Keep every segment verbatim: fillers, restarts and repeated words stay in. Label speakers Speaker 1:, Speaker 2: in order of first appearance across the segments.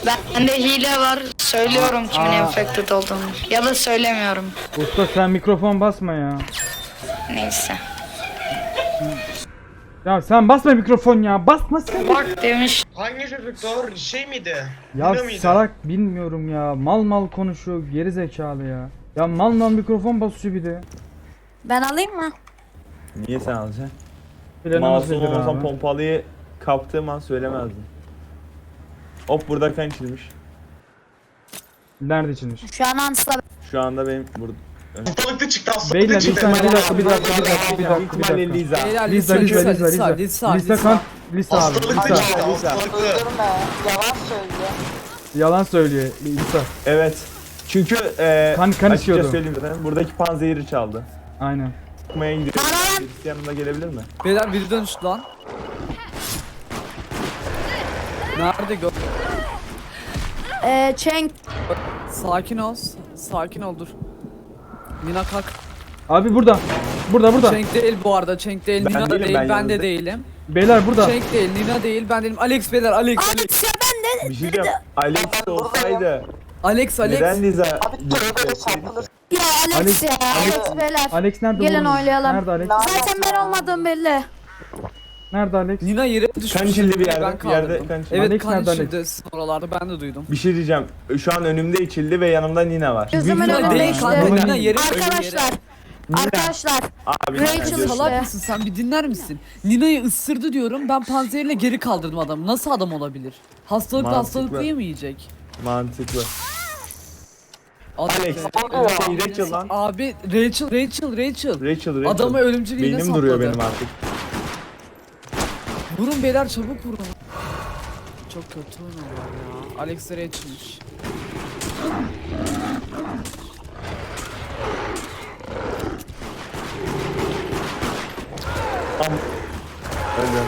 Speaker 1: Bende hile var. Söylüyorum kimin
Speaker 2: Aa.
Speaker 1: infected olduğunu. Ya da söylemiyorum.
Speaker 2: Usta sen mikrofon basma ya.
Speaker 1: Neyse.
Speaker 2: Ya sen basma mikrofon ya. Basma sen.
Speaker 1: Bak demiş.
Speaker 3: Hangi çocuklar şey miydi?
Speaker 2: Ya
Speaker 3: Nino muydu?
Speaker 2: salak bilmiyorum ya. Mal mal konuşuyor. Geri zekalı ya. Ya mal mal mikrofon basıyor bir de.
Speaker 4: Ben alayım mı?
Speaker 5: Niye sen alacaksın?
Speaker 2: Planımız
Speaker 5: Masum
Speaker 2: nedir
Speaker 5: olmasam
Speaker 2: abi?
Speaker 5: pompalıyı kaptığım an söylemezdim. Hop burada kan içilmiş.
Speaker 2: Nerede içilmiş?
Speaker 4: Şu an Hans'la
Speaker 5: Şu anda benim burada.
Speaker 3: Hastalıklı çıktı hastalıklı
Speaker 2: Beyler bir
Speaker 3: çıktı.
Speaker 2: saniye bir dakika bir dakika bir dakika bir dakika bir
Speaker 5: İhtimalle
Speaker 2: dakika.
Speaker 5: Liza.
Speaker 6: Beyler
Speaker 2: Lisa Lisa Lisa Lisa Lisa Lisa kan Lisa abi
Speaker 3: Hastalıklı
Speaker 2: Lisa.
Speaker 3: çıktı
Speaker 5: Lisa.
Speaker 3: hastalıklı.
Speaker 2: Yalan söylüyor Lisa.
Speaker 5: Evet. Çünkü e,
Speaker 2: Kan- kan
Speaker 5: açıkça
Speaker 2: içiyordu.
Speaker 5: söyleyeyim zaten. Buradaki panzehiri çaldı.
Speaker 2: Aynen.
Speaker 5: Okumaya gidiyor. Birisi yanıma gelebilir mi?
Speaker 6: Beyler biri dönüştü lan. Nerede gö...
Speaker 4: Ee, Cenk.
Speaker 6: Sakin ol. Sakin ol dur. Nina kalk.
Speaker 2: Abi burada. Burada burada.
Speaker 6: Cenk değil bu arada. Cenk değil.
Speaker 5: Ben
Speaker 6: Nina da
Speaker 5: değilim,
Speaker 6: değil.
Speaker 5: ben
Speaker 6: Ben, de
Speaker 5: yanınızda-
Speaker 6: değilim.
Speaker 2: Beyler burada.
Speaker 6: Cenk değil. Nina değil. Ben değilim. Alex beyler. Alex. Alex.
Speaker 4: Alex ya ben de.
Speaker 5: Bir şey diyeceğim. Alex olsaydı
Speaker 6: Alex. Alex.
Speaker 5: neden Liza?
Speaker 4: Ya Alex,
Speaker 2: Alex-
Speaker 4: ya. Alex, beyler.
Speaker 2: Alex nerede?
Speaker 4: Gelin
Speaker 2: oğlum?
Speaker 4: oynayalım.
Speaker 2: Nerede Alex?
Speaker 4: Zaten ben olmadığım belli.
Speaker 2: Nerede Alex?
Speaker 6: Nina yere düşmüş.
Speaker 5: Kan içildi bir yerde,
Speaker 6: Ben
Speaker 5: bir yerde
Speaker 6: kaldırdım.
Speaker 5: kan içildi.
Speaker 6: Evet
Speaker 2: Alex
Speaker 6: kan
Speaker 2: nerede
Speaker 6: içildi oralarda ben de duydum.
Speaker 5: Bir şey diyeceğim. Şu an önümde içildi ve yanımda Nina var.
Speaker 4: Gözümün
Speaker 2: Nina
Speaker 6: Nina
Speaker 4: önünde
Speaker 6: değil
Speaker 4: işte.
Speaker 6: kanka.
Speaker 2: Nina
Speaker 6: Nina yere
Speaker 4: Arkadaşlar. Arkadaşlar.
Speaker 5: Abi
Speaker 4: Rachel
Speaker 5: Nina
Speaker 4: işte.
Speaker 5: diyorsun.
Speaker 6: Salak mısın sen bir dinler misin? Nina'yı ısırdı diyorum ben panzehirle geri kaldırdım adamı. Nasıl adam olabilir? Hastalıklı
Speaker 5: Mantıklı.
Speaker 6: hastalıklıyı mı yiyecek?
Speaker 5: Mantıklı.
Speaker 6: Adam-
Speaker 5: Alex. Şey Rachel lan.
Speaker 6: Abi Rachel Rachel Rachel.
Speaker 5: Rachel Rachel.
Speaker 6: Adamı ölümcül iğne
Speaker 5: Beynim duruyor
Speaker 6: sapladı.
Speaker 5: benim artık.
Speaker 6: Vurun beyler çabuk vurun. Çok kötü oynuyorlar ya. Alex de Rachel'miş.
Speaker 5: Öyle.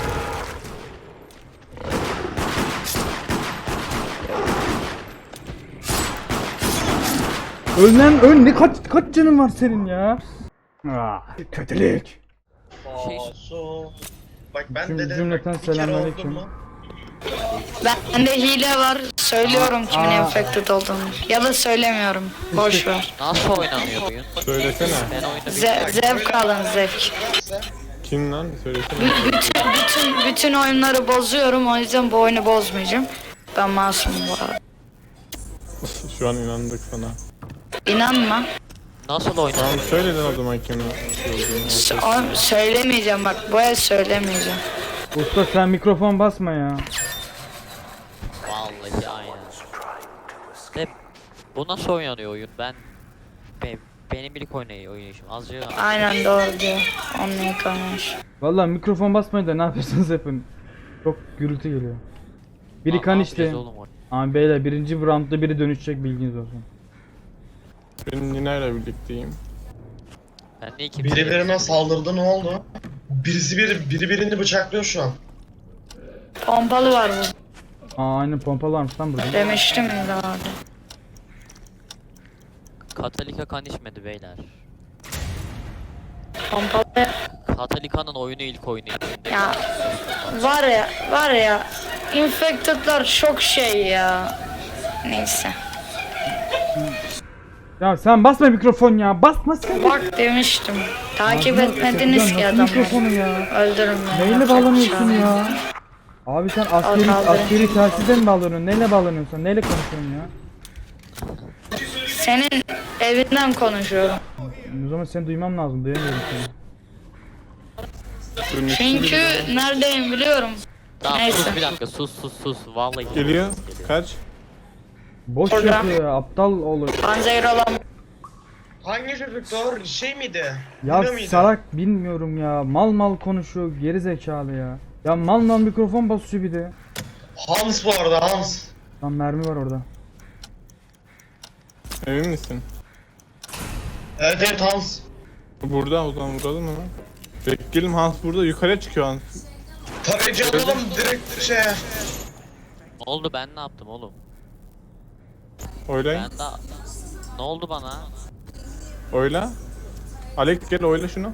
Speaker 2: Öl lan öl. Ne kaç kaç canın var senin ya? Ah, kötülük.
Speaker 3: Masum. Bak ben
Speaker 2: Cüm-
Speaker 3: de dedim
Speaker 2: cümleten
Speaker 3: bak, bir kere
Speaker 2: selamünaleyküm.
Speaker 3: oldu mu?
Speaker 1: Bende hile var. Söylüyorum kimin
Speaker 2: Aa.
Speaker 1: infected olduğunu. Ya da söylemiyorum. Boş ver.
Speaker 7: Nasıl oynanıyor oyun?
Speaker 8: Söylesene.
Speaker 7: Ben oyunda
Speaker 1: Ze- zevk alın zevk.
Speaker 8: Kim lan? Söylesene.
Speaker 1: B- bütün, bütün, bütün oyunları bozuyorum. O yüzden bu oyunu bozmayacağım. Ben masumum bu arada.
Speaker 8: Şu an inandık sana.
Speaker 1: İnanma.
Speaker 7: nasıl oynanıyor?
Speaker 8: Tamam söyle lan o zaman kimin şey olduğunu.
Speaker 1: S- oğlum söylemeyeceğim bak. Bu el söylemeyeceğim.
Speaker 2: Usta sen mikrofon basma ya.
Speaker 7: Vallahi aynen. De, bu nasıl oynanıyor oyun? Ben be, benim ilk oynayı oynayışım. Azıcık
Speaker 1: Aynen doğru diyor. Onunla konuş.
Speaker 2: Vallahi mikrofon basmayın da ne yapıyorsunuz yapın. Çok gürültü geliyor. Biri
Speaker 7: Aa,
Speaker 2: kan
Speaker 7: ne
Speaker 2: içti.
Speaker 7: yapacağız oğlum orada?
Speaker 2: Ama beyler birinci roundda biri dönüşecek bilginiz olsun.
Speaker 8: Ben Nina ile birlikteyim.
Speaker 7: Ben de iki
Speaker 3: Biri birine saldırdı ne oldu? Birisi biri, biri birini bıçaklıyor şu an.
Speaker 1: Pompalı var bu.
Speaker 2: Aa aynen pompalı varmış lan burada.
Speaker 1: Demiştim ya abi.
Speaker 7: Katalika kan içmedi beyler.
Speaker 1: Pompalı
Speaker 7: Katalika'nın oyunu ilk oyunu.
Speaker 1: ya var ya var ya infected'lar çok şey ya. Neyse.
Speaker 2: Ya sen basma mikrofon ya. Basma sen.
Speaker 1: Bak demiştim. Takip etmediniz ki
Speaker 2: Ya nasıl
Speaker 1: adamı.
Speaker 2: mikrofonu ya?
Speaker 1: Öldürün beni.
Speaker 2: Neyle
Speaker 1: yapacak bir
Speaker 2: bağlanıyorsun
Speaker 1: şey yok.
Speaker 2: ya? Abi sen askeri,
Speaker 1: Al, kaldır.
Speaker 2: askeri telsizle mi bağlanıyorsun? Neyle bağlanıyorsun sen? Neyle konuşuyorsun ya?
Speaker 1: Senin evinden konuşuyorum.
Speaker 2: O zaman seni duymam lazım. Duyamıyorum seni.
Speaker 8: Dönüştü
Speaker 1: Çünkü
Speaker 8: biri.
Speaker 1: neredeyim biliyorum.
Speaker 7: Tamam
Speaker 1: Neyse.
Speaker 7: sus bir dakika sus sus sus. Vallahi
Speaker 8: Geliyor. Kaç?
Speaker 2: Boş
Speaker 1: Orada.
Speaker 2: yapıyor ya. Aptal olur.
Speaker 1: Panzehir olan
Speaker 3: Hangi çocuklar şey miydi?
Speaker 2: Ya
Speaker 3: Nino muydu?
Speaker 2: salak bilmiyorum ya. Mal mal konuşuyor. Geri zekalı ya. Ya mal mal mikrofon basıyor bir de.
Speaker 3: Hans bu arada Hans.
Speaker 2: Lan mermi var orada.
Speaker 8: Emin misin?
Speaker 3: Evet evet Hans.
Speaker 8: Burada o zaman vuralım mı? Bekleyelim Hans burada. Yukarıya çıkıyor Hans.
Speaker 3: Tabii canım direkt şey.
Speaker 7: ne oldu ben ne yaptım oğlum?
Speaker 8: Oylayın.
Speaker 7: Ben de ne oldu bana?
Speaker 8: Oyla. Alex gel oyla şunu.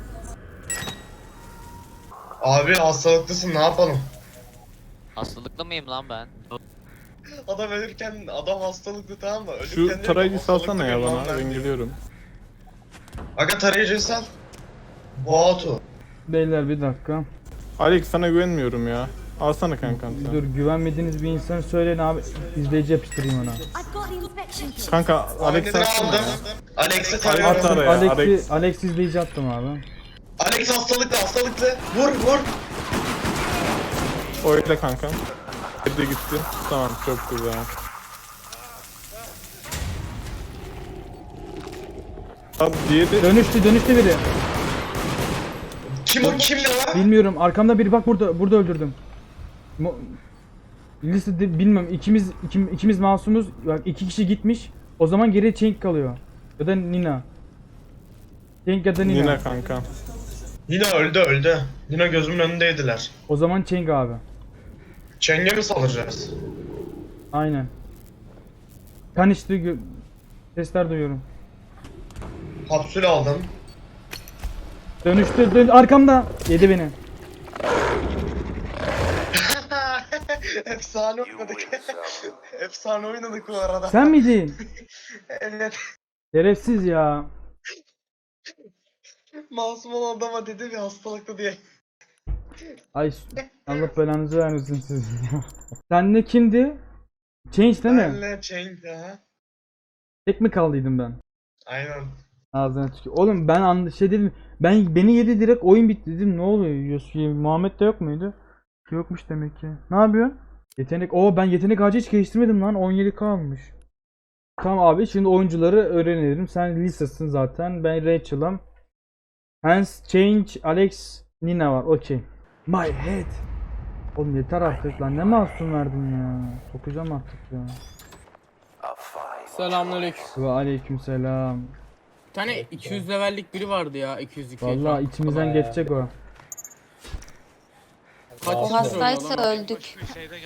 Speaker 3: Abi hastalıklısın ne yapalım?
Speaker 7: Hastalıklı mıyım lan ben?
Speaker 3: Adam ölürken adam hastalıklı, tamam mı? Ölürken
Speaker 8: Şu
Speaker 3: diyor ki,
Speaker 8: tarayıcı
Speaker 3: hastalıklı
Speaker 8: salsana ya
Speaker 3: bir
Speaker 8: bana.
Speaker 3: lan ben
Speaker 8: Ben
Speaker 3: diyor.
Speaker 8: geliyorum.
Speaker 3: Aga tarayıcıyı sal. Boğatu.
Speaker 2: Beyler bir dakika.
Speaker 8: Alex sana güvenmiyorum ya. Alsana kankam sen.
Speaker 2: Dur, güvenmediğiniz bir insan söyleyin abi. İzleyici yapıştırayım ona.
Speaker 8: Kanka Alex
Speaker 3: Ahmet'ini
Speaker 8: atsana
Speaker 3: aldım.
Speaker 8: ya.
Speaker 3: Alex'i
Speaker 8: At
Speaker 3: tarıyorum.
Speaker 8: araya
Speaker 2: Alex'i
Speaker 8: Alex.
Speaker 2: Alex izleyici attım abi.
Speaker 3: Alex hastalıklı hastalıklı. Vur vur.
Speaker 8: Öyle kankam. Evde gitti. Tamam çok güzel. Abi diğeri
Speaker 2: Dönüştü dönüştü biri.
Speaker 3: Kim o kim ne var?
Speaker 2: Bilmiyorum, arkamda biri, bak burada burada öldürdüm. Mo Listede bilmem, ikimiz iki, ikimiz masumuz. Bak iki kişi gitmiş. O zaman geriye Cenk kalıyor. Ya da Nina. Cenk ya da Nina.
Speaker 8: Nina kankam.
Speaker 3: Nina öldü öldü. Nina gözümün önündeydiler.
Speaker 2: O zaman Cenk abi.
Speaker 3: Çenge mi salacağız?
Speaker 2: Aynen. Kan içti, gö- sesler duyuyorum.
Speaker 3: Kapsül aldım.
Speaker 2: Dönüştü, dön arkamda. Yedi beni.
Speaker 3: Efsane oynadık. Efsane oynadık bu arada.
Speaker 2: Sen miydin?
Speaker 3: Evet.
Speaker 2: Şerefsiz ya.
Speaker 3: Masum olan adama dedi bir hastalıklı diye.
Speaker 2: Ay Allah belanızı vermesin sizin ya. Sen ne kimdi? Change değil mi?
Speaker 3: Benle Cenk ha.
Speaker 2: Tek mi kaldıydım ben?
Speaker 3: Aynen.
Speaker 2: Ağzına tükür. Oğlum ben an şey dedim. Ben beni yedi direkt, oyun bitti dedim. Ne oluyor? Yus- Muhammed de yok muydu? Yokmuş demek ki. Ne yapıyorsun? Yetenek. Oo, ben yetenek ağacı hiç geliştirmedim lan. on yedi K almış. Tamam abi, şimdi oyuncuları öğrenelim. Sen Lisa'sın zaten. Ben Rachel'ım. Hans, Change, Alex, Nina var. Okey. My head. Oğlum yeter artık lan. Ne masum verdin ya. Sokacağım artık ya.
Speaker 9: Selamünaleyküm.
Speaker 2: Ve aleykümselam.
Speaker 9: Bir tane iki yüz levellik biri vardı ya, iki yüz iki.
Speaker 2: Vallahi içimizden geçecek o.
Speaker 9: Kaç
Speaker 4: O
Speaker 9: yıl
Speaker 4: hastaysa
Speaker 9: sonra lan?
Speaker 4: öldük.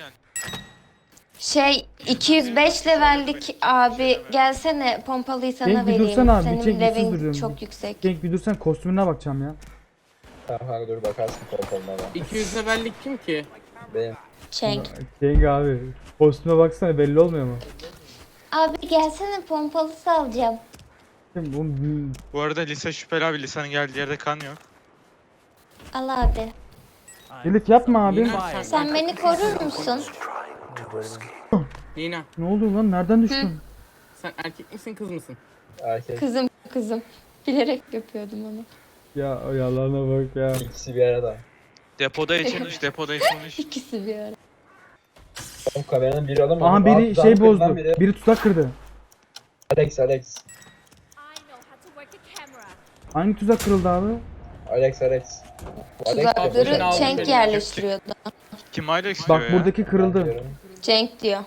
Speaker 4: Şey iki yüz beş levellik abi gelsene, pompalıyı sana
Speaker 2: Cenk, bir
Speaker 4: vereyim.
Speaker 2: dursana abi,
Speaker 4: Senin
Speaker 2: Cenk, bir sus
Speaker 4: levelin
Speaker 2: duruyorum.
Speaker 4: çok yüksek.
Speaker 2: Cenk bir dursan, kostümüne bakacağım ya.
Speaker 10: Tamam dur bakarsın kontrolüne bak.
Speaker 9: iki yüz levellik kim ki?
Speaker 10: Benim.
Speaker 4: Cenk.
Speaker 2: Cenk abi. Kostüme baksana, belli olmuyor mu?
Speaker 4: Abi gelsene, pompalısı alacağım.
Speaker 2: Bu,
Speaker 11: Bu arada Lisa şüpheli abi. Lisa'nın geldiği yerde kan yok.
Speaker 4: Al abi.
Speaker 2: Elif yapma abi.
Speaker 9: Nina, sen,
Speaker 4: Sen beni korur musun?
Speaker 9: Nina,
Speaker 2: Ne oldu lan? Nereden düştün?
Speaker 9: sen erkek misin kız mısın?
Speaker 10: Erkek
Speaker 4: Kızım kızım. Bilerek yapıyordum onu.
Speaker 2: Ya o yalana bak ya.
Speaker 10: ikisi bir arada.
Speaker 11: Depoda içilmiş, depoda içilmiş.
Speaker 4: İkisi bir ara.
Speaker 10: Oğlum kameranın biri alamadı.
Speaker 2: Aha, biri
Speaker 10: Altı
Speaker 2: şey
Speaker 10: tane
Speaker 2: bozdu.
Speaker 10: kırılan Biri.
Speaker 2: Biri tuzak kırdı.
Speaker 10: Alex Alex.
Speaker 2: Hangi tuzak kırıldı abi?
Speaker 10: Alex Alex. Alex
Speaker 4: Tuzakları
Speaker 9: yapıyor.
Speaker 4: Cenk
Speaker 9: Aldım.
Speaker 4: yerleştiriyordu.
Speaker 11: Kim aile istiyor
Speaker 2: Bak
Speaker 11: ya?
Speaker 2: buradaki kırıldı.
Speaker 4: Cenk diyor.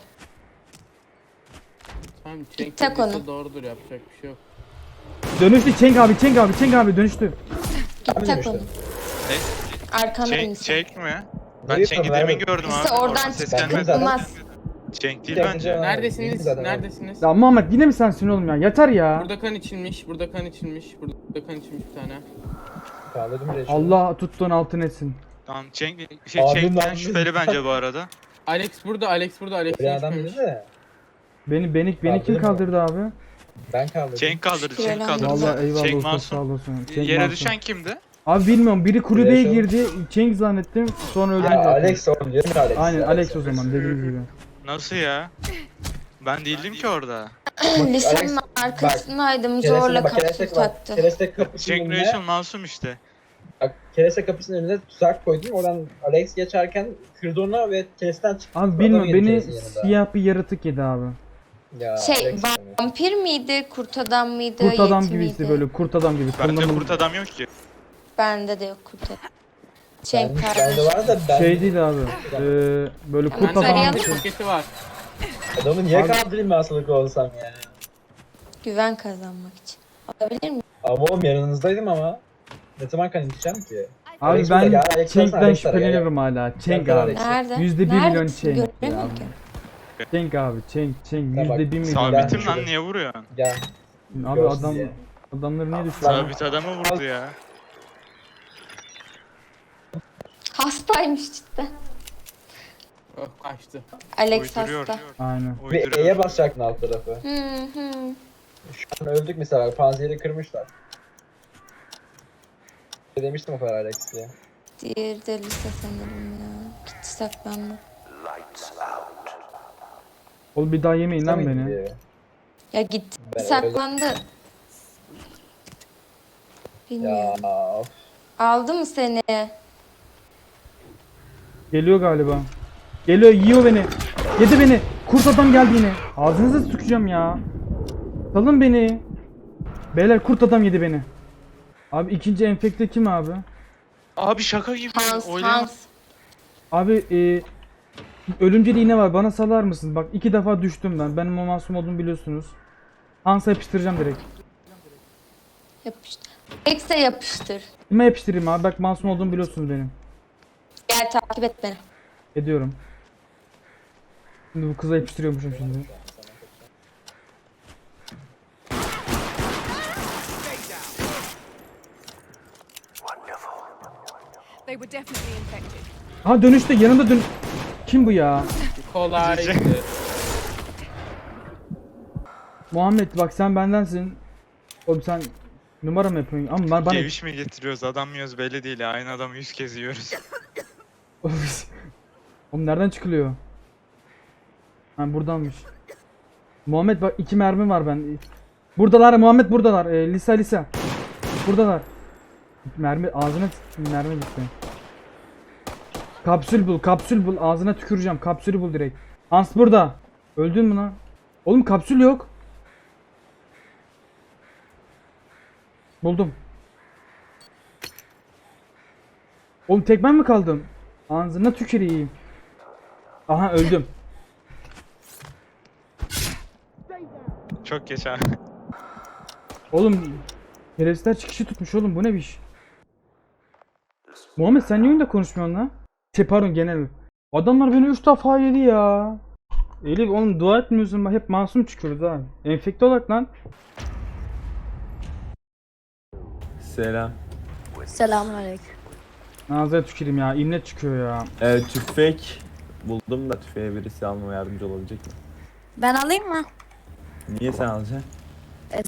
Speaker 9: Tamam,
Speaker 4: tak
Speaker 9: Cenk
Speaker 4: onu.
Speaker 9: dediyse doğrudur, yapacak bir şey yok.
Speaker 2: Dönüştü Cenk abi, Cenk abi, Cenk abi dönüştü.
Speaker 4: Git tak onu.
Speaker 11: Ne?
Speaker 4: Arkandan
Speaker 11: Cenk,
Speaker 4: insin.
Speaker 11: Cenk mi? Ben
Speaker 10: Neyi
Speaker 11: Cenk'i
Speaker 10: tanımıyorum?
Speaker 11: demin gördüm
Speaker 4: İşte
Speaker 11: abi.
Speaker 4: oradan
Speaker 11: ses
Speaker 10: Ben
Speaker 11: gelmedi.
Speaker 10: zaten-
Speaker 4: Çıkmaz.
Speaker 11: Cenk değil
Speaker 10: Cenk
Speaker 11: bence.
Speaker 10: zaten-
Speaker 9: Neredesiniz?
Speaker 10: zaten-
Speaker 9: Neredesiniz?
Speaker 2: Ya Muhammed yine mi sensin oğlum ya? Yeter ya.
Speaker 9: Burada kan içilmiş, burada kan içilmiş, burada kan içilmiş bir tane.
Speaker 10: Kaldırdım Rachel.
Speaker 2: Allah tuttuğun altın etsin.
Speaker 11: Tamam Cenk, şey
Speaker 10: Abim
Speaker 11: Cenk'ten
Speaker 10: lan.
Speaker 11: şüpheli bence bu arada.
Speaker 9: Alex burada, Alex burada, Alex
Speaker 10: Bir adam
Speaker 9: içmemiş.
Speaker 10: dedi de
Speaker 2: Beni beni beni kim
Speaker 10: Kaldırın
Speaker 2: kaldırdı abi?
Speaker 10: ben kaldırdım.
Speaker 11: Cenk kaldırdı, Cenk
Speaker 4: Şüpheli
Speaker 11: kaldırdı.
Speaker 2: Vallahi eyvallah
Speaker 11: Cenk
Speaker 2: olsun,
Speaker 11: masum.
Speaker 2: sağ olasın. Cenk
Speaker 11: Yere
Speaker 2: masum.
Speaker 11: düşen kimdi?
Speaker 2: Abi bilmiyorum, biri kulübeye
Speaker 10: Rachel.
Speaker 2: girdi. Cenk zannettim. Sonra öldü
Speaker 10: Ha,
Speaker 2: zaten.
Speaker 10: Alex oğlum diyorum ya Alex.
Speaker 2: Aynen Alex o zaman dediğiniz gibi.
Speaker 11: Nasıl ya? Ben değildim ki orada.
Speaker 4: Lisenin
Speaker 10: Alex,
Speaker 4: arkasındaydım,
Speaker 10: Kereste
Speaker 4: zorla
Speaker 10: bak,
Speaker 4: kapsül
Speaker 10: kereste bak.
Speaker 4: taktı.
Speaker 10: Kereste kapısının
Speaker 11: Cenk
Speaker 10: önüne.
Speaker 11: Rachel masum işte.
Speaker 10: Bak kereste kapısının önüne tuzak koydum. Oradan Alex geçerken kırdı onu ve keresten çıktı.
Speaker 2: Abi
Speaker 10: Adam
Speaker 2: bilmiyorum,
Speaker 10: yedi
Speaker 2: beni
Speaker 10: keresin yanında.
Speaker 2: siyah bir yaratık yedi abi.
Speaker 10: Ya,
Speaker 4: Şey
Speaker 10: Alex yani.
Speaker 4: vampir miydi, kurt adam mıydı,
Speaker 2: Kurt adam
Speaker 4: yeti
Speaker 2: gibiydi,
Speaker 4: miydi?
Speaker 2: böyle kurt adam gibi.
Speaker 11: Bende
Speaker 2: Kırmızı-
Speaker 11: kurt adam yok ki.
Speaker 4: Bende de yok kurt adam. Cenk
Speaker 10: Ben, bende
Speaker 4: kardeşim.
Speaker 10: var da ben
Speaker 2: Şey değil abi. Ee, böyle kurt
Speaker 4: Bende
Speaker 2: adam
Speaker 4: arayan-
Speaker 2: bir şey.
Speaker 9: Paketi var.
Speaker 10: adamı niye
Speaker 2: Abi-
Speaker 10: kaldırayım ben hastalıklı olsam ya.
Speaker 4: Güven kazanmak için. Olabilir mi?
Speaker 10: Ama oğlum yanınızdaydım ama. Ne zaman kan içeceğim ki?
Speaker 2: Abi
Speaker 10: Alex burada
Speaker 2: ben
Speaker 10: ya, Alex
Speaker 2: Cenk'ten
Speaker 10: Alex var ya.
Speaker 2: şüpheleniyorum hala. Cenk
Speaker 10: Gel,
Speaker 2: abi.
Speaker 10: Alex.
Speaker 4: Nerede?
Speaker 2: Yüzde bir milyon
Speaker 4: Neredesin?
Speaker 2: Cenk.
Speaker 4: Göremiyorum ki.
Speaker 2: Cenk abi, Cenk, Cenk.
Speaker 10: Ha, bak,
Speaker 2: Yüzde bir milyon.
Speaker 11: Sabitim
Speaker 10: Ben-
Speaker 11: lan, niye vuruyorsun?
Speaker 10: Gel.
Speaker 2: Abi
Speaker 10: Görsün
Speaker 2: adam,
Speaker 10: diye.
Speaker 2: adamları niye düşürdün?
Speaker 11: Sabit adamı vurdu ya.
Speaker 4: Hastaymış cidden.
Speaker 9: Oh, kaçtı.
Speaker 4: Alex
Speaker 11: Uyduruyor.
Speaker 4: hasta.
Speaker 2: Aynen.
Speaker 10: Bir E'ye
Speaker 11: Uyduruyor.
Speaker 10: basacaktın alt tarafı.
Speaker 4: Hı hı.
Speaker 10: Şu an öldük mesela. Panzehiri kırmışlar. Ne demiştim o kadar Alex diye.
Speaker 4: Diğeri de lise sanırım ya. Gitti saklandı.
Speaker 2: Oğlum bir daha yemeyin lan
Speaker 10: Mıydı
Speaker 2: beni.
Speaker 10: diye.
Speaker 4: Ya gitti
Speaker 10: Ben
Speaker 4: saklandı. Bilmiyorum.
Speaker 10: Ya of.
Speaker 4: Aldı mı seni?
Speaker 2: Geliyor galiba. Geliyor, yiyor beni. Yedi beni. Kurt adam geldi yine. Ağzınıza sıkacağım ya. Salın beni. Beyler kurt adam yedi beni. Abi ikinci enfekte kim abi?
Speaker 11: Abi şaka gibi.
Speaker 4: Hans,
Speaker 11: Oynayamam.
Speaker 4: Hans.
Speaker 2: Abi e, ölümcül iğne var. Bana salar mısın? Bak iki defa düştüm ben. Benim o masum olduğumu biliyorsunuz. Hans'a yapıştıracağım direkt.
Speaker 4: Yapıştır. Alex'e yapıştır.
Speaker 2: Kime yapıştırayım abi? Bak masum olduğumu biliyorsunuz benim.
Speaker 4: Gel takip et beni.
Speaker 2: Ediyorum. Şimdi bu kıza yapıştırıyormuşum şimdi.
Speaker 12: They were definitely infected.
Speaker 2: Ha dönüşte yanımda dön... Kim bu ya?
Speaker 9: Kolaydı.
Speaker 2: Muhammed bak sen bendensin. Oğlum sen numara mı yapıyorsun? Ama ben bana...
Speaker 11: Geviş mi getiriyoruz adam mıyız belli değil. Aynı adamı yüz kez yiyoruz.
Speaker 2: Oğlum nereden çıkılıyor? Ha buradanmış. Muhammed bak iki mermi var ben. Buradalar Muhammed buradalar. Ee, Lisa Lisa. Buradalar. Mermi ağzına tü- mermi gitti. Kapsül bul, kapsül bul. Ağzına tüküreceğim. Kapsülü bul direkt. Hans burada. Öldün mü lan? Oğlum kapsül yok. Buldum. Oğlum tek ben mi kaldım? Ağzına tüküreyim. Aha öldüm.
Speaker 11: Çok geç abi.
Speaker 2: Oğlum teröristler çıkışı tutmuş oğlum bu ne bir iş? Muhammed sen niye oyunda konuşmuyorsun lan? Şey pardon genel. Adamlar beni üç defa yedi ya. Elif oğlum dua etmiyorsun bak hep masum çıkıyoruz ha. Enfekte olarak lan.
Speaker 5: Selam.
Speaker 12: Selamünaleyküm.
Speaker 2: Ağzına tüküreyim ya imlet çıkıyor ya.
Speaker 5: Ee, tüfek buldum da tüfeğe birisi almama yardımcı olabilecek mi?
Speaker 12: Ben alayım mı?
Speaker 5: Niye sen alacaksın?
Speaker 12: Evet.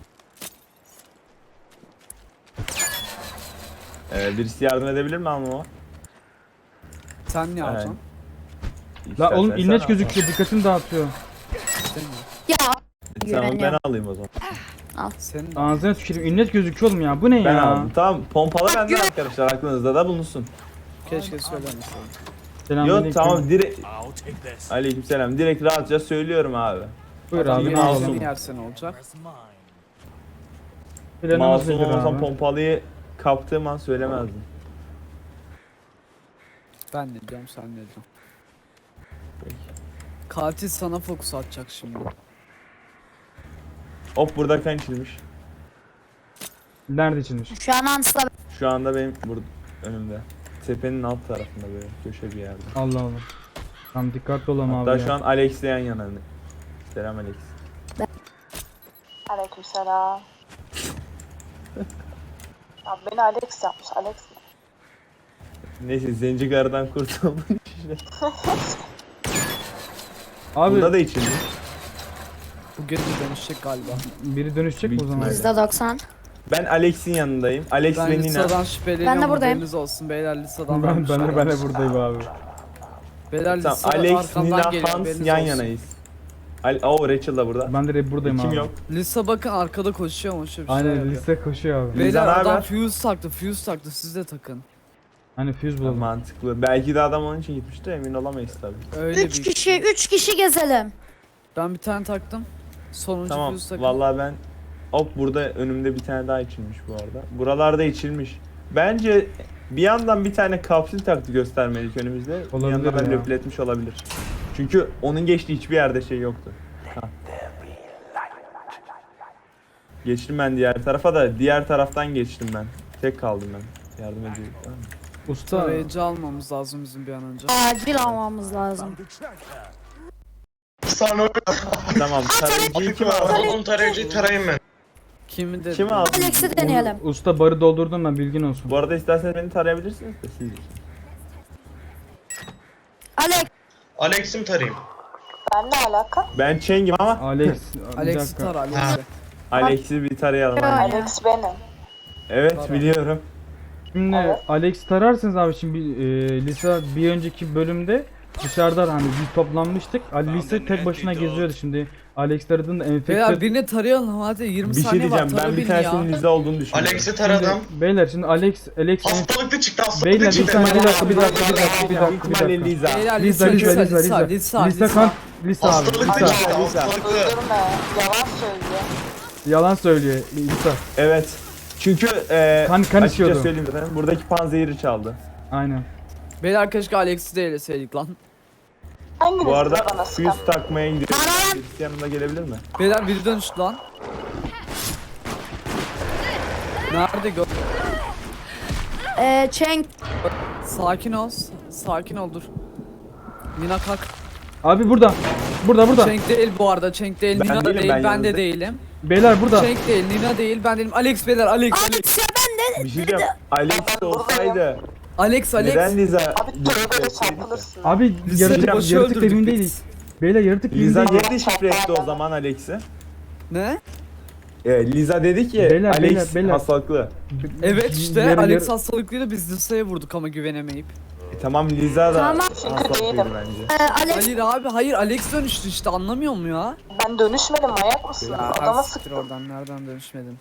Speaker 5: Ee, birisi yardım edebilir mi almama?
Speaker 6: Sen ne alacaksın?
Speaker 2: La oğlum
Speaker 5: İstersen
Speaker 2: imlet
Speaker 5: sen
Speaker 2: gözüküyor dikkatimi dağıtıyor.
Speaker 12: Ya.
Speaker 5: al. Tamam ben
Speaker 12: Güveniyorum.
Speaker 5: alayım o zaman.
Speaker 6: Senin de.
Speaker 2: Ağzına tüküreyim imlet gözüküyor oğlum ya bu ne
Speaker 5: Ben
Speaker 2: ya?
Speaker 5: aldım. Tamam pompalı bende arkadaşlar aklınızda da bulunsun.
Speaker 6: Keşke söylemeseydin.
Speaker 2: Selamünaleyküm.
Speaker 5: Yok tamam direkt... Aleykümselam direkt rahatça söylüyorum abi.
Speaker 2: Buyur
Speaker 6: Adam
Speaker 2: abi.
Speaker 5: Yine
Speaker 6: yine
Speaker 5: masum.
Speaker 6: masum yersen olacak.
Speaker 2: Planımız
Speaker 5: Masum
Speaker 2: nedir
Speaker 5: olsam
Speaker 2: abi?
Speaker 5: pompalıyı kaptığım an söylemezdim.
Speaker 6: Ben ne diyorum sen ne diyorsun? Katil sana fokus atacak şimdi.
Speaker 5: Hop burada kan içilmiş.
Speaker 2: Nerede içilmiş?
Speaker 12: Şu an Hans'la
Speaker 5: Şu anda benim burada önümde. Tepenin alt tarafında böyle köşe bir yerde.
Speaker 2: Allah Allah. Tamam dikkatli olalım
Speaker 5: Hatta
Speaker 2: abi
Speaker 5: şu
Speaker 2: ya.
Speaker 5: an Alex'le yan yana. Selam Alex.
Speaker 12: Aleykümselam. Abi beni Alex yapmış. Alex.
Speaker 5: Neyse zenci karıdan kurtuldum işte.
Speaker 2: Abi
Speaker 5: Bunda da içilmiş.
Speaker 6: Bu geri dönüşecek galiba.
Speaker 2: biri dönüşecek mi o zaman?
Speaker 5: Büyük
Speaker 12: yüzde doksan.
Speaker 5: Ben Alex'in yanındayım. Alex
Speaker 6: Ben
Speaker 5: ve Nina.
Speaker 6: Lisa'dan şüpheleniyorum.
Speaker 12: Ben de buradayım.
Speaker 6: Haberiniz olsun beyler Lisa'dan.
Speaker 2: Ben, ben, de, ben de
Speaker 6: vermiş.
Speaker 2: buradayım abi.
Speaker 6: Beyler
Speaker 5: Tamam
Speaker 6: Lisa
Speaker 5: Alex,
Speaker 6: arkamdan
Speaker 5: Nina,
Speaker 6: geliyor,
Speaker 5: Hans
Speaker 6: haberiniz
Speaker 5: yan
Speaker 6: olsun.
Speaker 5: yanayız. Al oh Rachel da burada.
Speaker 2: Ben de hep buradayım
Speaker 5: Kim
Speaker 2: abi.
Speaker 5: yok?
Speaker 6: Lisa bakın arkada koşuyor mu? Şöyle bir şey
Speaker 2: Aynen
Speaker 6: yapıyor.
Speaker 2: liste koşuyor abi.
Speaker 5: Beyler,
Speaker 6: Beyler
Speaker 5: Liza,
Speaker 6: adam
Speaker 5: naber?
Speaker 6: fuse taktı, fuse taktı. Siz de takın.
Speaker 2: Hani fuse bulalım.
Speaker 5: Mantıklı. Belki de adam onun için gitmişti emin olamayız tabii.
Speaker 6: Öyle
Speaker 12: Üç
Speaker 6: bir
Speaker 12: kişi, üç kişi gezelim.
Speaker 6: Ben bir tane taktım. Sonuncu
Speaker 5: Tamam
Speaker 6: fuse takın.
Speaker 5: vallahi ben hop burada önümde bir tane daha içilmiş bu arada. Buralarda içilmiş. Bence bir yandan bir tane kapsül taktı göstermelik önümüzde. Bir
Speaker 2: Olabilir
Speaker 5: yandan da
Speaker 2: ya.
Speaker 5: löpletmiş olabilir. Çünkü onun geçtiği hiçbir yerde şey yoktu. Ha. Geçtim ben diğer tarafa da diğer taraftan geçtim ben. Tek kaldım ben. Yardım ediyorum. Tamam mı?
Speaker 2: Usta
Speaker 6: Tarayıcı almamız lazım bizim bir an önce.
Speaker 12: Acil almamız lazım.
Speaker 3: Sana
Speaker 5: Tamam. Tarayıcıyı kim aldı?
Speaker 3: onun tarayıcıyı tarayayım ben.
Speaker 6: Kimi de
Speaker 5: Kim aldı?
Speaker 12: Alex'i deneyelim.
Speaker 2: usta barı doldurdum ben bilgin olsun.
Speaker 5: Bu arada isterseniz beni tarayabilirsiniz de siz.
Speaker 12: Alex.
Speaker 3: Alex'i mi tarayayım?
Speaker 12: Ben ne alaka?
Speaker 5: Ben Cheng'im ama
Speaker 2: Alex. bir
Speaker 6: Alex'i
Speaker 2: dakika.
Speaker 6: tar Alex'i.
Speaker 5: Alex'i bir tarayalım.
Speaker 12: Yo,
Speaker 5: hadi.
Speaker 12: Alex benim.
Speaker 5: Evet
Speaker 6: Tara.
Speaker 5: biliyorum.
Speaker 2: Şimdi Alex tararsınız abi şimdi e, Lisa bir önceki bölümde dışarıda hani biz toplanmıştık. Ali Lisa tek başına geziyordu şimdi. Alex taradığında
Speaker 6: Beyler
Speaker 2: enfekte...
Speaker 6: birini tarayalım hadi yirmi
Speaker 5: Bir şey
Speaker 6: saniye var
Speaker 5: diyeceğim.
Speaker 6: tara
Speaker 5: Ben bir
Speaker 6: beni ya.
Speaker 5: tanesinin Liza olduğunu düşünüyorum.
Speaker 3: Alex'i taradım.
Speaker 2: Beyler şimdi Alex, Alex...
Speaker 3: Hastalıklı çıktı hastalıklı
Speaker 2: Beyler bir
Speaker 3: çıktı.
Speaker 2: saniye bir dakika bir dakika bir dakika bir
Speaker 5: Büyük
Speaker 2: dakika bir
Speaker 5: ihtimalle
Speaker 2: dakika.
Speaker 5: Liza.
Speaker 6: Beyler
Speaker 2: Lisa
Speaker 6: Lisa
Speaker 2: Lisa
Speaker 6: Lisa
Speaker 2: Lisa
Speaker 6: Lisa Lisa
Speaker 2: Lisa kan Lisa abi
Speaker 3: Hastalıklı
Speaker 2: Lisa
Speaker 3: çıktı
Speaker 5: Lisa.
Speaker 3: hastalıklı.
Speaker 12: Öldürme. Yalan söylüyor.
Speaker 2: yalan söylüyor Lisa.
Speaker 5: Evet. Çünkü e,
Speaker 2: Kan- kan
Speaker 5: açıkça
Speaker 2: içiyordu.
Speaker 5: söyleyeyim zaten. Buradaki panzehiri çaldı.
Speaker 2: Aynen.
Speaker 6: Beyler keşke Alex'i de eleseydik lan.
Speaker 12: Hanginiz
Speaker 5: Bu arada
Speaker 12: bana sıkan?
Speaker 5: yüz takmaya gidiyorum. Birisi yanımda gelebilir mi?
Speaker 6: Beyler biri dönüştü lan. Nerede gö...
Speaker 12: Eee Cenk.
Speaker 6: Sakin ol. Sakin ol dur. Nina kalk.
Speaker 2: Abi burada. Burada burada.
Speaker 6: Cenk değil bu arada. Cenk değil.
Speaker 5: Ben
Speaker 6: Nina da
Speaker 5: değilim,
Speaker 6: değil.
Speaker 5: ben
Speaker 6: Ben, de
Speaker 5: yanınızda.
Speaker 6: değilim.
Speaker 2: Beyler burada.
Speaker 6: Cenk değil. Nina değil. Ben değilim. Alex beyler. Alex. Alex.
Speaker 12: Alex ya ben de.
Speaker 5: Bir şey diyeceğim. Alex olsaydı
Speaker 6: Alex. Alex.
Speaker 5: neden Liza?
Speaker 12: Abi tövbeyle çarpılırsın.
Speaker 2: Abi
Speaker 6: Lisa'yı
Speaker 2: yaratık,
Speaker 6: boşa
Speaker 2: yaratık
Speaker 6: öldürdük
Speaker 2: evindeyiz.
Speaker 6: biz.
Speaker 2: Beyler yaratık
Speaker 5: Liza
Speaker 2: evindeyiz.
Speaker 5: niye deşifre etti o zaman Alex'i?
Speaker 6: Ne?
Speaker 5: E, Liza dedi ki
Speaker 2: Beyler,
Speaker 5: Alex
Speaker 2: beyler, beyler.
Speaker 5: hastalıklı.
Speaker 6: Evet işte
Speaker 2: Yarı-
Speaker 6: Alex
Speaker 2: yarı-
Speaker 6: hastalıklıydı biz Lisa'ya vurduk ama güvenemeyip.
Speaker 5: E, tamam Liza da
Speaker 12: Tamam.
Speaker 5: hastalıklıydı
Speaker 12: Değilim.
Speaker 5: bence.
Speaker 12: Ee, Alex
Speaker 6: Hayır abi hayır Alex dönüştü işte anlamıyor mu ya?
Speaker 12: ben dönüşmedim manyak mısın? Adama
Speaker 6: siktir
Speaker 12: sıktım.
Speaker 6: oradan nereden dönüşmedin?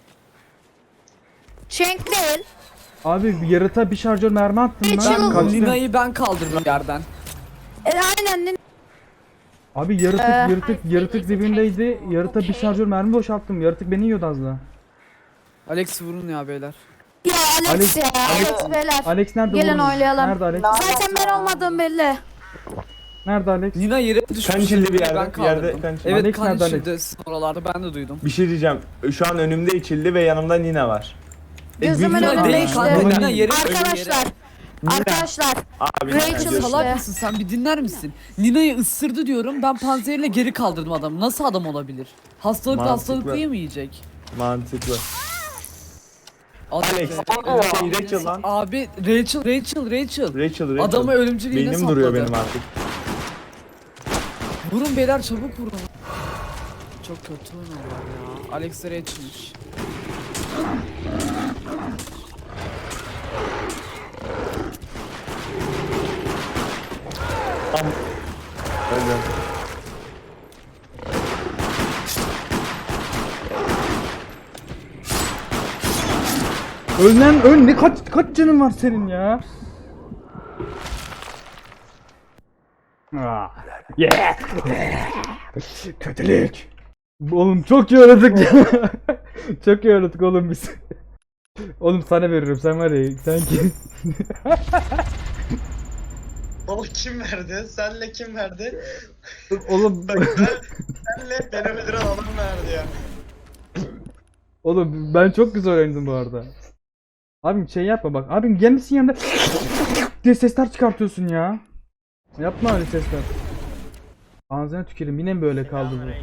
Speaker 12: Cenk değil.
Speaker 2: Abi yaratığa bir şarjör mermi attım
Speaker 12: Rachel-
Speaker 2: lan. Kaçtı.
Speaker 6: Nina'yı ben kaldırdım yerden.
Speaker 12: E, aynen.
Speaker 2: Abi yaratık
Speaker 12: Ee,
Speaker 2: yaratık yaratık dibindeydi. Yaratığa bir şarjör mermi boşalttım. Yaratık beni yiyordu az daha.
Speaker 6: Alex vurun ya beyler.
Speaker 12: Ya Alex,
Speaker 2: Alex-
Speaker 12: ya.
Speaker 2: Alex-
Speaker 12: Alex beyler.
Speaker 2: Alex nerede?
Speaker 12: Gelin
Speaker 2: oğlum?
Speaker 12: oynayalım.
Speaker 2: Nerede Alex?
Speaker 12: Zaten ben olmadığım belli.
Speaker 2: Nerede Alex?
Speaker 6: Nina yere düşmüş.
Speaker 5: Kan içildi bir
Speaker 6: ben
Speaker 5: yerde, bir
Speaker 6: kaldırdım.
Speaker 5: yerde kan içildi.
Speaker 6: Evet
Speaker 2: Alex
Speaker 6: kan
Speaker 2: nerede
Speaker 6: içildi oralarda ben de duydum.
Speaker 5: Bir şey diyeceğim. Şu an önümde içildi ve yanımda Nina var. E,
Speaker 12: Gözümün
Speaker 5: büyük
Speaker 6: Nina
Speaker 12: önünde
Speaker 5: ihtimalle-
Speaker 6: değil kanka
Speaker 12: işte.
Speaker 6: Nina yere
Speaker 12: Arkadaşlar. Arkadaşlar.
Speaker 5: Abi
Speaker 12: Rachel
Speaker 5: Nina
Speaker 12: işte.
Speaker 5: diyorsun.
Speaker 6: Salak mısın sen bir dinler misin? Nina'yı ısırdı diyorum ben panzehirle geri kaldırdım adamı. Nasıl adam olabilir? Hastalıklı
Speaker 5: Mantıklı.
Speaker 6: hastalıklıyı mı yiyecek?
Speaker 5: Mantıklı.
Speaker 6: Alex.
Speaker 5: Alex. Rachel lan.
Speaker 6: Abi Rachel Rachel Rachel.
Speaker 5: Rachel, Rachel.
Speaker 6: Adamı ölümcül iğne
Speaker 5: Beynim
Speaker 6: sapladı.
Speaker 5: duruyor benim artık.
Speaker 6: Vurun beyler çabuk vurun. Çok kötü oynuyorlar ya. Alex de Rachel'miş.
Speaker 5: Öyle.
Speaker 2: Öl lan öl. Ne kaç kaç canın var senin ya? Ah, yeah. Kötülük. Oğlum çok iyi oynadık ya. Çok iyi oynadık oğlum biz. Oğlum sana veririm sen var ya sen kim?
Speaker 3: Baba kim verdi? Senle kim verdi?
Speaker 2: Oğlum
Speaker 3: Bak ben, senle beni öldüren adam verdi ya.
Speaker 2: oğlum ben çok güzel oynadım bu arada. Abim şey yapma bak. Abim gelmişsin yanında diye sesler çıkartıyorsun ya. Yapma öyle sesler. Ağzına tüküreyim yine mi böyle kaldı bu?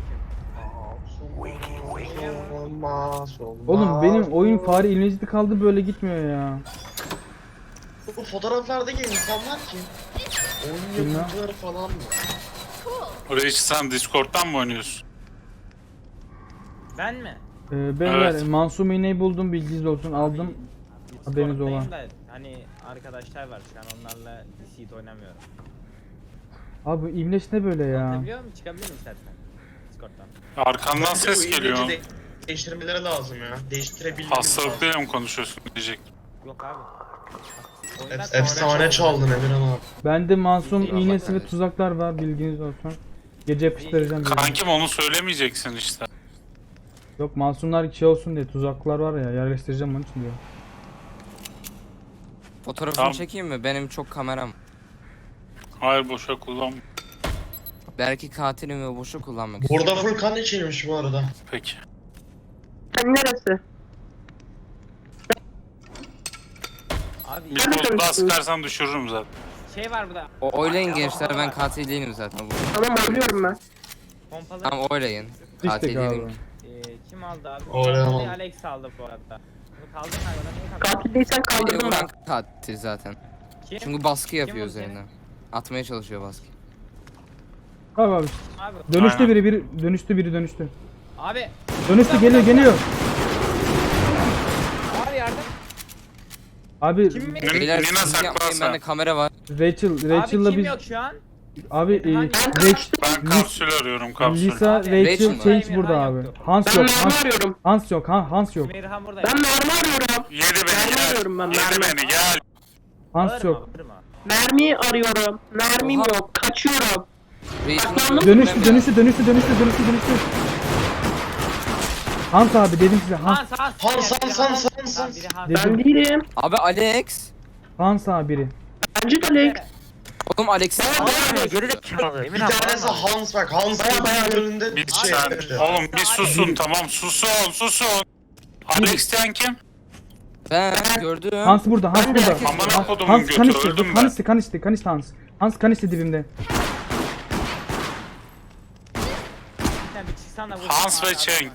Speaker 3: Olmaz olmaz.
Speaker 2: Oğlum benim oyun fare ilmecidi kaldı böyle gitmiyor ya.
Speaker 3: Bu fotoğraflardaki insanlar kim? Oyun
Speaker 2: Bilmem.
Speaker 3: yapımcıları falan mı?
Speaker 11: Oraya sen Discord'dan mı oynuyorsun?
Speaker 9: Ben mi?
Speaker 2: Ee, beyler
Speaker 11: Evet.
Speaker 2: Mansum iğneyi buldum bilginiz olsun aldım. Haberiniz olan.
Speaker 9: Da, hani arkadaşlar var şu an onlarla Seed oynamıyorum.
Speaker 2: Abi bu İmleç ne böyle ya?
Speaker 9: Biliyor musun? Çıkabilir miyim istersen? Discord'dan.
Speaker 11: Arkandan
Speaker 3: Bence
Speaker 11: ses
Speaker 3: bu ilmeci
Speaker 11: geliyor.
Speaker 3: de- Değiştirmeleri lazım ya. Değiştirebilmemiz lazım.
Speaker 11: Hastalıklıyla mı konuşuyorsun diyecek.
Speaker 9: Yok abi.
Speaker 3: Ef- Efsane çaldın Emirhan abi.
Speaker 2: Bende Mansum iğnesi ve tuzaklar var bilginiz olsun. Gece yapıştıracağım diye.
Speaker 11: Kankim onu söylemeyeceksin işte.
Speaker 2: Yok Masumlar şey olsun diye tuzaklar var ya yerleştireceğim onun için diyor.
Speaker 9: Fotoğrafını
Speaker 11: Tamam.
Speaker 9: çekeyim mi? Benim çok kameram.
Speaker 11: Hayır boşa kullan.
Speaker 9: Belki katilim ve boşu kullanmak
Speaker 3: Burada full kan içilmiş bu arada.
Speaker 11: Peki.
Speaker 12: Neresi?
Speaker 9: Abi
Speaker 11: Bir poz daha sıkarsan düşürürüm zaten.
Speaker 9: şey var burada. O oylayın gençler ben katil değilim zaten bu.
Speaker 12: Tamam oynuyorum ben.
Speaker 9: Pompalı. Tamam oylayın.
Speaker 2: İşte
Speaker 9: Katil
Speaker 2: galiba.
Speaker 9: değilim. Ee, kim aldı abi?
Speaker 3: Oylayamam.
Speaker 9: Pompalı Alex aldı bu arada. Bunu kaldırın hayvana niye kaldırdın?
Speaker 12: Katil değilsen kaldırdım ben.
Speaker 9: katil zaten.
Speaker 7: Kim?
Speaker 9: Çünkü baskı yapıyor
Speaker 7: vurdu seni?
Speaker 9: üzerine. Atmaya çalışıyor baskı.
Speaker 2: Abi abi.
Speaker 8: Abi.
Speaker 2: Dönüştü
Speaker 8: Aynen.
Speaker 2: biri biri dönüştü biri dönüştü.
Speaker 8: Abi.
Speaker 2: Dönüştü geliyor geliyor.
Speaker 8: Abi yardım.
Speaker 2: Abi
Speaker 8: Kim mi?
Speaker 11: Nina saklansa. Bende kamera var.
Speaker 2: Rachel Rachel'la
Speaker 8: Abi kim
Speaker 2: biz
Speaker 8: yok şu an?
Speaker 2: abi e,
Speaker 8: Hangi-
Speaker 2: Rach-
Speaker 11: Ben kapsül arıyorum kapsül.
Speaker 2: Lisa,
Speaker 8: Abi,
Speaker 2: Rachel,
Speaker 11: Rachel mi?
Speaker 2: Change
Speaker 8: Emirhan
Speaker 2: burada abi.
Speaker 8: yoktu.
Speaker 2: Hans
Speaker 12: Ben
Speaker 2: yok.
Speaker 12: mermi
Speaker 2: Hans,
Speaker 12: arıyorum.
Speaker 2: Hans yok. Han, Hans yok.
Speaker 8: Emirhan burada.
Speaker 12: Ben mermi arıyorum.
Speaker 11: Yedi beni
Speaker 12: Mermi
Speaker 11: gel.
Speaker 12: arıyorum ben
Speaker 11: Yedi
Speaker 12: mermi.
Speaker 11: beni gel.
Speaker 2: Hans yok.
Speaker 12: Mermi arıyorum. Mermim yok. Kaçıyorum. Saklandım.
Speaker 2: Dönüştü dönüştü dönüştü dönüştü dönüştü dönüştü. Hans abi dedim size Hans
Speaker 8: Hans Hans.
Speaker 3: Hans,
Speaker 8: Biri
Speaker 3: Hans, Hans, Hans,
Speaker 8: Tamam,
Speaker 3: Hans.
Speaker 8: biri Hans.
Speaker 2: dedim
Speaker 12: Ben değilim.
Speaker 11: Abi Alex.
Speaker 2: Hans abi biri.
Speaker 12: Bence de Alex.
Speaker 11: Oğlum Alex.
Speaker 7: Geri de çıkardı.
Speaker 3: Bir tanesi Hans bak. Hans gözümün önünde
Speaker 11: Bir
Speaker 3: şey
Speaker 11: sen.
Speaker 3: yapıyor.
Speaker 11: Oğlum bir susun tamam susun susun. Alex diyen kim? Ben gördüm.
Speaker 2: Hans burada Hans burada.
Speaker 11: Amına
Speaker 2: Hans,
Speaker 11: kodumun
Speaker 2: Hans kan
Speaker 11: götü
Speaker 2: içti.
Speaker 11: öldüm
Speaker 2: Kan
Speaker 11: ben.
Speaker 2: içti kan içti kan içti Hans. Hans kan içti dibimde.
Speaker 8: Sen bir çıksana vur.
Speaker 11: Hans ve
Speaker 8: Abi,
Speaker 11: Cenk.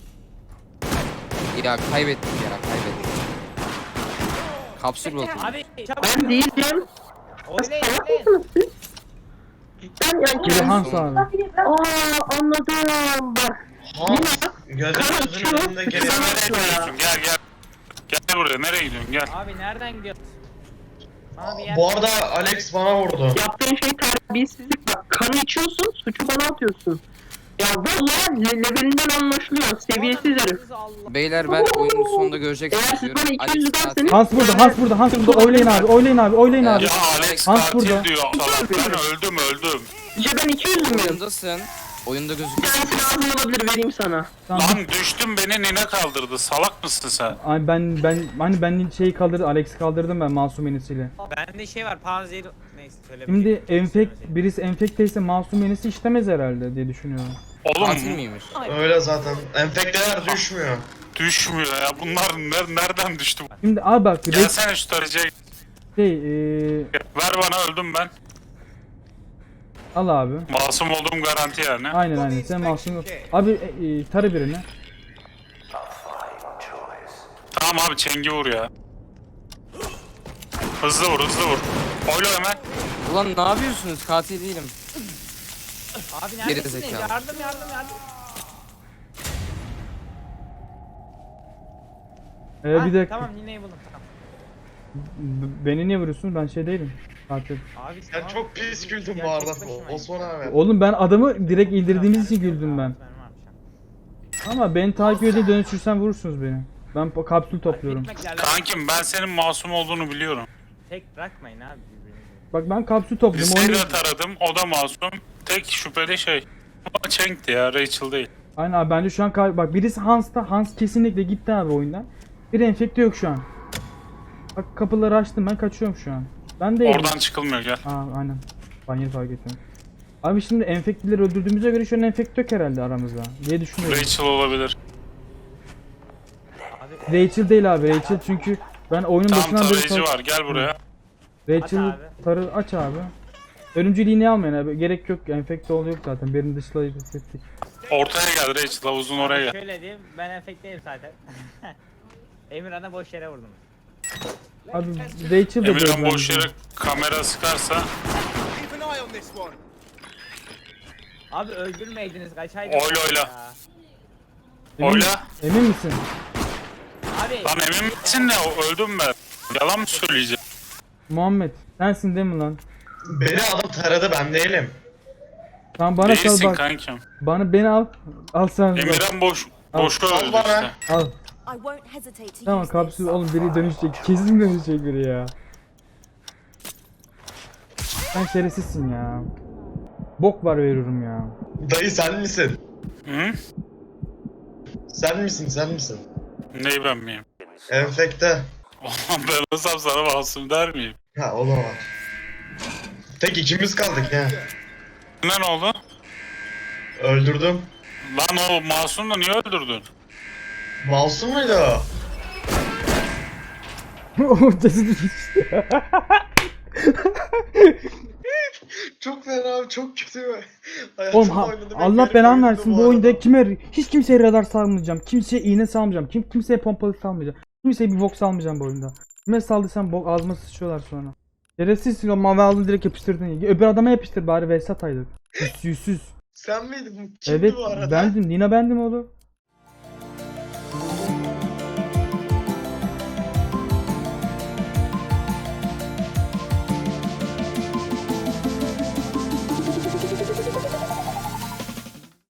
Speaker 13: Ya kaybettik ya kaybettik. Kapsül buldum.
Speaker 8: Abi çabuk.
Speaker 12: Ben değilim.
Speaker 8: Oynayın
Speaker 12: Salak
Speaker 8: oynayın.
Speaker 12: mısınız siz? Ben yani
Speaker 2: Biri
Speaker 12: kendim.
Speaker 2: Hans abi.
Speaker 12: Aa anladım. Bak.
Speaker 3: Hans gözümün önünde
Speaker 11: Sen
Speaker 3: geliyor.
Speaker 11: nereye gidiyorsun? Gel gel. Gel buraya nereye gidiyorsun gel.
Speaker 8: Abi nereden gidiyorsun? Bana bir yer.
Speaker 3: Bu arada Alex bana vurdu.
Speaker 12: Yaptığın şey terbiyesizlik. Bak kanı içiyorsun, suçu bana atıyorsun. Ya vallahi le- levelinden anlaşılıyor. Seviyesiz herif.
Speaker 8: Allah.
Speaker 13: Beyler ben oyunun sonunda
Speaker 12: Eğer
Speaker 13: göreceksiniz
Speaker 12: siz
Speaker 13: diyorum.
Speaker 12: bana iki
Speaker 13: Alex
Speaker 12: yüz
Speaker 13: katil.
Speaker 12: derseniz...
Speaker 2: Hans burada Hans burada Hans burada. Oylayın abi oylayın abi oylayın abi.
Speaker 13: Ya,
Speaker 11: Ya Alex
Speaker 2: Hans
Speaker 11: katil
Speaker 2: burada.
Speaker 11: diyor salak. Ben öldüm öldüm.
Speaker 12: Ya ben iki yüz müyüm?
Speaker 13: Oyundasın. Oyunda
Speaker 12: Bir
Speaker 13: gözüküyor.
Speaker 12: tanesi lazım olabilir, vereyim sana.
Speaker 2: Tamam.
Speaker 11: Lan düştüm beni Nina kaldırdı. Salak mısın sen?
Speaker 2: Ay ben ben hani ben şeyi kaldırdım Alex'i kaldırdım ben masum yenisiyle.
Speaker 8: Bende şey var panzehir. Neyse söylemeyeyim.
Speaker 2: Şimdi enfekt birisi enfekteyse masum yenisi işlemez herhalde diye düşünüyorum.
Speaker 11: Oğlum
Speaker 13: Katil miymiş?
Speaker 3: Öyle zaten. Enfekteler düşmüyor.
Speaker 11: düşmüyor ya. Bunlar ner nereden düştü?
Speaker 2: Şimdi abi bak Reç-
Speaker 11: Gelsene şu tarayıcıya.
Speaker 2: şey eee
Speaker 11: Ver bana öldüm ben.
Speaker 2: al abi.
Speaker 11: Masum olduğum garanti yani.
Speaker 2: Aynen aynen sen masum. Abi e, e, tarı birini.
Speaker 11: Tamam abi çengi vur ya. Hızlı vur hızlı vur. Oyla hemen.
Speaker 13: Ulan ne yapıyorsunuz? Katil değilim.
Speaker 8: Abi
Speaker 13: Geri
Speaker 8: neredesiniz?
Speaker 13: zekalı.
Speaker 8: Yardım yardım yardım.
Speaker 2: Ee,
Speaker 8: Ha,
Speaker 2: bir dakika.
Speaker 8: Tamam Nine'yi buldum tamam.
Speaker 2: B- beni niye vuruyorsun? Ben şey değilim. Katil.
Speaker 8: Abi
Speaker 3: Sen çok pis güldün
Speaker 8: Ya
Speaker 3: bu
Speaker 8: tek
Speaker 3: arada.
Speaker 8: başımayım.
Speaker 3: Osman abi.
Speaker 2: Oğlum ben adamı direkt indirdiğimiz için güldüm ben.
Speaker 8: Benim varmış ya.
Speaker 2: Ama beni takip edip dönüşürsen vurursunuz beni. Ben po- kapsül topluyorum.
Speaker 8: Gitmek lazım.
Speaker 11: Kankim ben senin masum olduğunu biliyorum.
Speaker 8: Tek bırakmayın abi birbirinizi.
Speaker 2: Bak ben kapsül topluyorum.
Speaker 11: Listeyi
Speaker 2: Oyunu...
Speaker 11: de taradım o da masum. Tek şüpheli şey. O Cenk'ti ya Rachel değil.
Speaker 2: Aynen abi bence şu an kal- bak birisi Hans'ta. Hans kesinlikle gitti abi oyundan. Bir enfekte yok şu an. Bak kapıları açtım ben kaçıyorum şu an. Ben de
Speaker 11: Oradan çıkılmıyor gel.
Speaker 2: Aa aynen. Ben yeni fark ettim. Abi şimdi enfektileri öldürdüğümüze göre şu an enfekte yok herhalde aramızda diye düşünüyorum.
Speaker 11: Rachel olabilir.
Speaker 2: Rachel değil abi Rachel çünkü ben oyunun
Speaker 11: Tam
Speaker 2: başından beri
Speaker 11: tarayıcı
Speaker 2: sor-
Speaker 11: var gel buraya.
Speaker 2: Rachel
Speaker 8: Aç abi.
Speaker 2: tarı aç abi. Ölümcül iğne almayın abi. Gerek yok. Enfekte oluyor zaten. Birini dışlayıp hissettik.
Speaker 11: Ortaya gel Rachel havuzun oraya
Speaker 8: Abi
Speaker 11: gel.
Speaker 8: Şöyle diyeyim ben enfekteyim zaten. Emirhan'a boş yere vurdum.
Speaker 2: Abi Rachel de
Speaker 11: Emirhan
Speaker 2: diyor
Speaker 11: boş
Speaker 2: bence.
Speaker 11: yere kamera sıkarsa
Speaker 8: Abi öldürmeydiniz kaçaydınız.
Speaker 11: Oyla, oyla.
Speaker 8: ya.
Speaker 2: Emin,
Speaker 11: oyla.
Speaker 2: emin misin?
Speaker 8: Abi
Speaker 11: Lan emin misin ne öldüm ben. Yalan mı söyleyeceğim?
Speaker 2: Muhammed sensin değil mi lan?
Speaker 3: Beni adam taradı ben değilim.
Speaker 2: Tamam bana sal
Speaker 11: Değilsin
Speaker 2: bak.
Speaker 11: kankim.
Speaker 2: Bana beni al. Al sen. bak.
Speaker 11: Emirhan boş boş
Speaker 3: Sal
Speaker 11: öldü
Speaker 3: bana.
Speaker 11: işte.
Speaker 2: Al. Tamam kapsül oğlum biri dönüşecek. Kesin dönüşecek biri ya. Sen şerefsizsin ya. Bok var veriyorum ya.
Speaker 3: Dayı sen misin?
Speaker 11: Hı?
Speaker 3: Sen misin sen misin?
Speaker 11: Neyi ben miyim?
Speaker 3: Enfekte.
Speaker 11: Oğlum ben olsam sana masum der miyim?
Speaker 3: Ha o da var. Tek ikimiz kaldık ya.
Speaker 11: Ne ne oldu?
Speaker 3: Öldürdüm.
Speaker 11: Lan o masum da niye öldürdün?
Speaker 3: Masum muydu o?
Speaker 2: O cesedi geçti.
Speaker 3: Çok fena abi çok kötü.
Speaker 2: Oğlum ha, Allah belanı versin bu oyunda kime hiç kimseye radar salmayacağım. Kimseye iğne salmayacağım. Kim kimseye pompalı salmayacağım. Kimseye bir box salmayacağım bu oyunda. Kime saldıysam bok ağzıma sıçıyorlar sonra. Şerefsizsin o mavi aldın direkt yapıştırdın. Öbür adama yapıştır bari Vesat aydı. Yüzsüz.
Speaker 3: Sen miydin? Kimdi
Speaker 2: Evet
Speaker 3: bu arada?
Speaker 2: bendim. Nina bendim oğlum.